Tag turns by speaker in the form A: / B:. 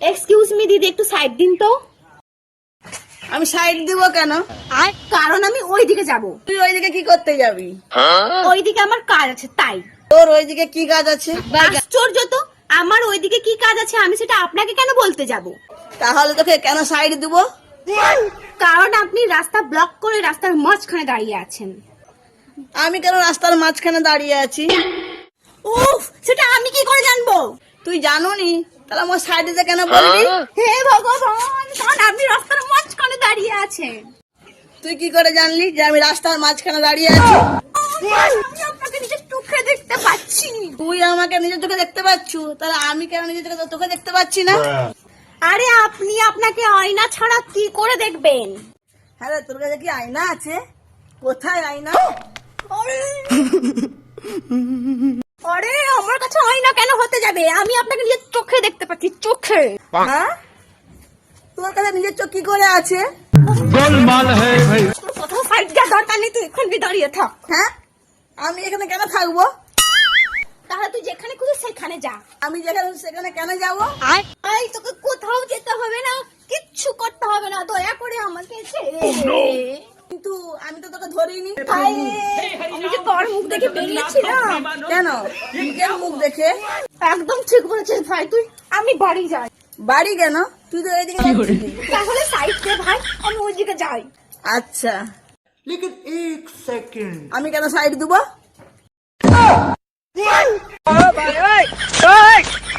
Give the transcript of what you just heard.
A: Excuse me দিদি, একটু side দিন তো।
B: আমি সাইড দিব কেন?
A: কারণ আমি ওইদিকে যাব।
B: তুই ওইদিকে কি করতে যাবি?
A: ওইদিকে আমার কাজ আছে তাই।
B: তোর ওইদিকে কি কাজ আছে?
A: আশ্চর্য তো, আমার ওইদিকে কি কাজ আছে আমি সেটা আপনাকে কেন বলতে যাব?
B: তাহলে তোকে কেন সাইড দিব?
A: কারণ আপনি রাস্তা ব্লক করে রাস্তার মাঝখানে দাঁড়িয়ে আছেন।
B: আমি কেন রাস্তার মাঝখানে দাঁড়িয়ে আছি?
A: উফ, সেটা আমি কি করে জানবো?
B: তুই জানোনি? তাহলে আমার সাইড দিতে কেন বলবি?
A: হে ভগবান, কারণ আপনি রাস্তার মাঝখানে দাঁড়িয়ে আছেন।
B: তুই কি করে জানলি যে আমি রাস্তার মাঝখানে দাঁড়িয়ে আছি?
A: আমি আপনাকে নিজের চোখে দেখতে পাচ্ছি।
B: তুই আমাকে নিজের চোখে দেখতে পাচ্ছু, তাহলে আমি কেন নিজের চোখে দেখতে পাচ্ছি না?
A: আরে আপনি আপনাকে আয়না ছাড়া কি করে দেখবেন?
B: হ্যাঁ রে, তোর কাছে কি আয়না আছে? কোথায় আয়না?
A: আরে আমার কাছে আয়না কেন হতে যাবে? আমি আপনাকে নিজের চোখে দেখতে পাচ্ছি, চোখে।
B: হ্যাঁ, তোর কাছে নিজের চোখ কি করে আছে?
C: गोलमाल है भाई।
A: কোথাও সাইড দেওয়ার দরকার নেই, তুই এখানে দাঁড়িয়ে থাক।
B: হ্যাঁ, আমি এখানে কেন থাকবো?
A: তাহলে তুই যেখানে খুঁজে সেখানে যা।
B: আমি যেখানে সেখানে কেন যাব?
A: আই তোকে কোথাও যেতে হবে না, কিচ্ছু করতে হবে না, দয়া করে আমাকে ছেড়ে দে।
B: কিন্তু আমি তো তোকে ধরিনি।
A: আরে, আমি যে তোর মুখ দেখে বেরিয়েছিলাম।
B: কেন? নিজের মুখ দেখে?
A: একদম ঠিক বলেছিস ভাই তুই। আমি বাড়ি যাই।
B: বাড়ি কেন? তুই তো এইদিকে যাচ্ছিলি।
A: তাহলে সাইড দে ভাই, আমি ওইদিকে যাই।
B: আচ্ছা,
C: लेकिन एक सेकंड।
B: আমি কেন সাইড দিব?